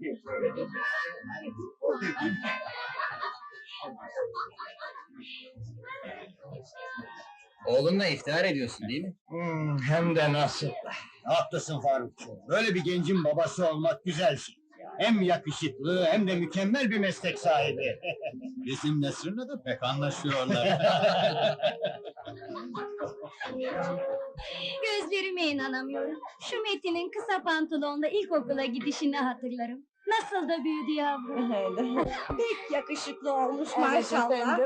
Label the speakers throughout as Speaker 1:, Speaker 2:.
Speaker 1: Oğlunla iftihar ediyorsun değil mi?
Speaker 2: Hem de nasıl? Haklısın Farukçum. Böyle bir gencin babası olmak güzel şey. Hem yakışıklı hem de mükemmel bir meslek sahibi.
Speaker 3: Bizim Nesrin'le de pek anlaşıyorlar.
Speaker 4: Gözlerime inanamıyorum. Şu Metin'in kısa pantolonla ilkokula gidişini hatırlarım. Nasıl da büyüdü yavrum.
Speaker 5: Pek yakışıklı olmuş maşallah.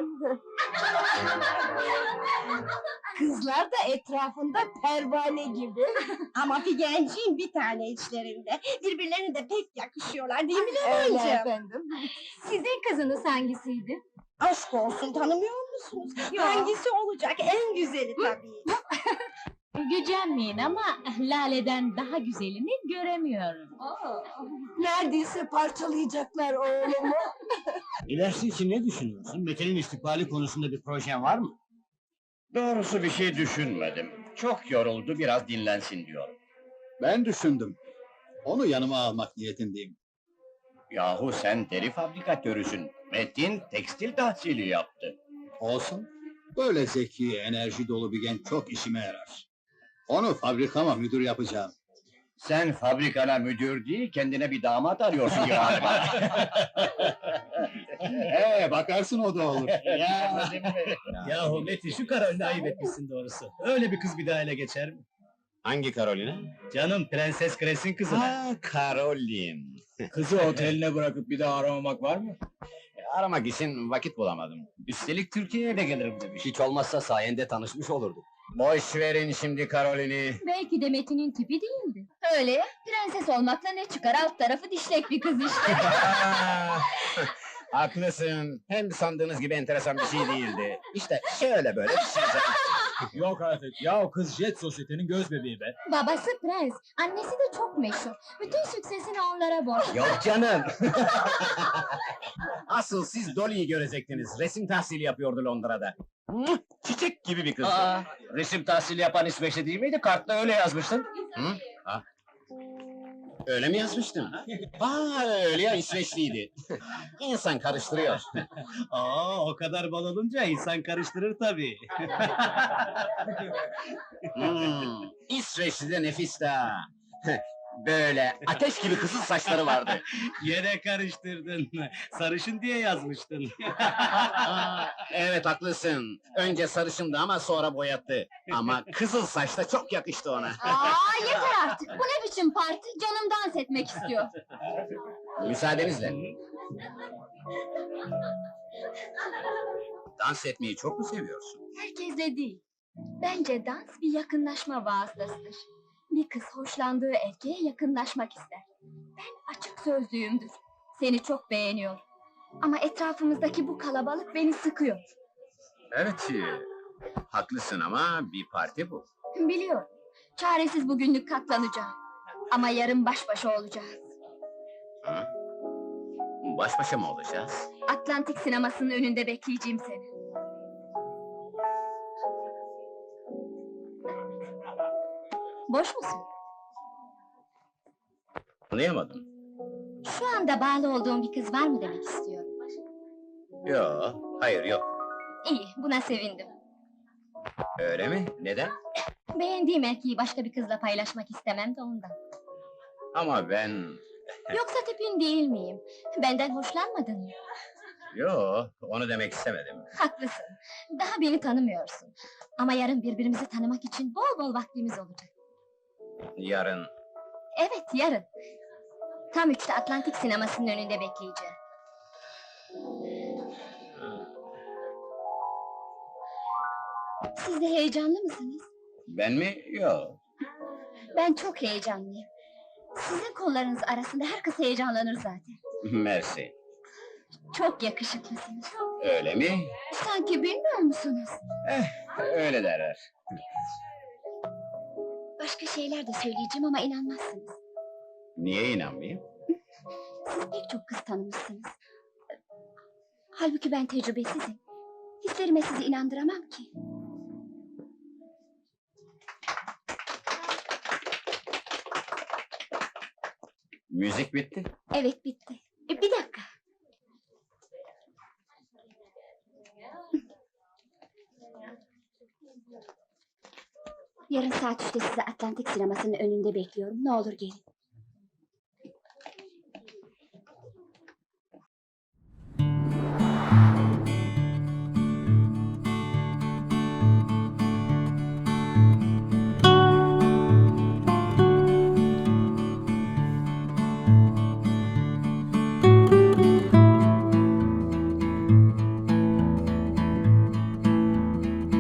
Speaker 5: Kızlar da etrafında pervane gibi. Ama Figenciğim bir tane içlerinde. Birbirlerine de pek yakışıyorlar değil mi Leman'cığım?
Speaker 4: efendim. Sizin kızınız hangisiydi?
Speaker 5: Aşk olsun, tanımıyor musunuz? Hangisi olacak? En güzeli tabii.
Speaker 6: Gücenmeyin ama Lale'den daha güzelini göremiyorum.
Speaker 5: Neredeyse parçalayacaklar oğlumu.
Speaker 2: İlerisi için ne düşünüyorsun? Metin'in istikbali konusunda bir projen var mı?
Speaker 7: Doğrusu bir şey düşünmedim. Çok yoruldu, biraz dinlensin diyorum.
Speaker 3: Ben düşündüm. Onu yanıma almak niyetindeyim.
Speaker 7: Yahu sen deri fabrikatörüsün. Metin tekstil tahsili yaptı.
Speaker 3: Olsun. Böyle zeki, enerji dolu bir genç çok işime yarar. Onu fabrikama müdür yapacağım.
Speaker 7: Sen fabrikana müdür değil, kendine bir damat arıyorsun galiba.
Speaker 3: Bakarsın o da olur.
Speaker 1: Yahu Metin, şu Karolin'i ayıp etmişsin doğrusu. Öyle bir kız bir daha ele geçer mi?
Speaker 7: Hangi Karolina?
Speaker 1: Canım, Prenses Kres'in kızı.
Speaker 7: Karolin.
Speaker 1: Kızı oteline bırakıp bir daha aramamak var mı?
Speaker 7: Aramak için vakit bulamadım.
Speaker 1: Üstelik Türkiye'ye de gelirim demiş.
Speaker 7: Hiç olmazsa sayende tanışmış olurduk. Boş verin şimdi Karolin'i.
Speaker 6: Belki de Metin'in tipi değildi.
Speaker 4: Öyle ya, prenses olmakla ne çıkar? Alt tarafı dişlek bir kız işte.
Speaker 7: Haklısın. Hem sandığınız gibi enteresan bir şey değildi. İşte şöyle böyle bir şey.
Speaker 1: Yok artık, ya o kız Jet Sosyete'nin göz bebeği be.
Speaker 4: Babası prens, annesi de çok meşhur. Bütün süksesini onlara borçlu.
Speaker 7: Yok canım. Asıl siz Dolly'yi görecektiniz. Resim tahsili yapıyordu Londra'da. Çiçek gibi bir kız.
Speaker 1: Resim tahsili yapan İsveçli değil miydi? Kartta öyle yazmıştın.
Speaker 7: Öyle mi yazmıştın? Öyle ya, İsveçliydi. İnsan karıştırıyor.
Speaker 1: O kadar bal olunca insan karıştırır tabii.
Speaker 7: İsveçli de nefis de. Böyle ateş gibi kızıl saçları vardı.
Speaker 1: Yine karıştırdın. Sarışın diye yazmıştın.
Speaker 7: Evet haklısın. Önce sarışındı ama sonra boyattı. Ama kızıl saç da çok yakıştı ona.
Speaker 4: Yeter artık, bu ne biçim parti? Canım dans etmek istiyor.
Speaker 7: Müsaadenizle. Dans etmeyi çok mu seviyorsun?
Speaker 4: Herkesle değil. Bence dans bir yakınlaşma vasıtasıdır. Bir kız hoşlandığı erkeğe yakınlaşmak ister. Ben açık sözlüyümdür. Seni çok beğeniyorum. Ama etrafımızdaki bu kalabalık beni sıkıyor.
Speaker 7: Evet, haklısın ama bir parti bu.
Speaker 4: Biliyorum. Çaresiz bugünlük katlanacağım. Ama yarın baş başa olacağız.
Speaker 7: Baş başa mı olacağız?
Speaker 4: Atlantik sinemasının önünde bekleyeceğim seni. Boş musun?
Speaker 7: Anlayamadım.
Speaker 4: Şu anda bağlı olduğum bir kız var mı demek istiyorum.
Speaker 7: Yo, hayır yok.
Speaker 4: İyi, buna sevindim.
Speaker 7: Öyle mi? Neden?
Speaker 4: Beğendiğim erkeği başka bir kızla paylaşmak istemem de ondan.
Speaker 7: Ama ben...
Speaker 4: Yoksa tipin değil miyim? Benden hoşlanmadın mı?
Speaker 7: Yo, onu demek istemedim.
Speaker 4: Haklısın. Daha beni tanımıyorsun. Ama yarın birbirimizi tanımak için bol bol vaktimiz olacak.
Speaker 7: Yarın...
Speaker 4: Evet, yarın. Tam 3'te Atlantik sinemasının önünde bekleyeceğim. Siz de heyecanlı mısınız?
Speaker 7: Ben mi? Yo.
Speaker 4: Ben çok heyecanlıyım. Sizin kollarınız arasında her kız heyecanlanır zaten.
Speaker 7: Mersi.
Speaker 4: Çok yakışıklısınız.
Speaker 7: Öyle mi?
Speaker 4: Sanki bilmiyor musunuz?
Speaker 7: Öyle derler.
Speaker 4: Başka şeyler de söyleyeceğim ama inanmazsınız.
Speaker 7: Niye inanmayayım?
Speaker 4: Siz pek çok kız tanımışsınız. Halbuki ben tecrübesizim. Hislerime sizi inandıramam ki.
Speaker 7: Müzik bitti.
Speaker 4: Evet, bitti. Bir dakika. Yarın saat 3'te sizi Atlantik sinemasının önünde bekliyorum. Ne olur gelin.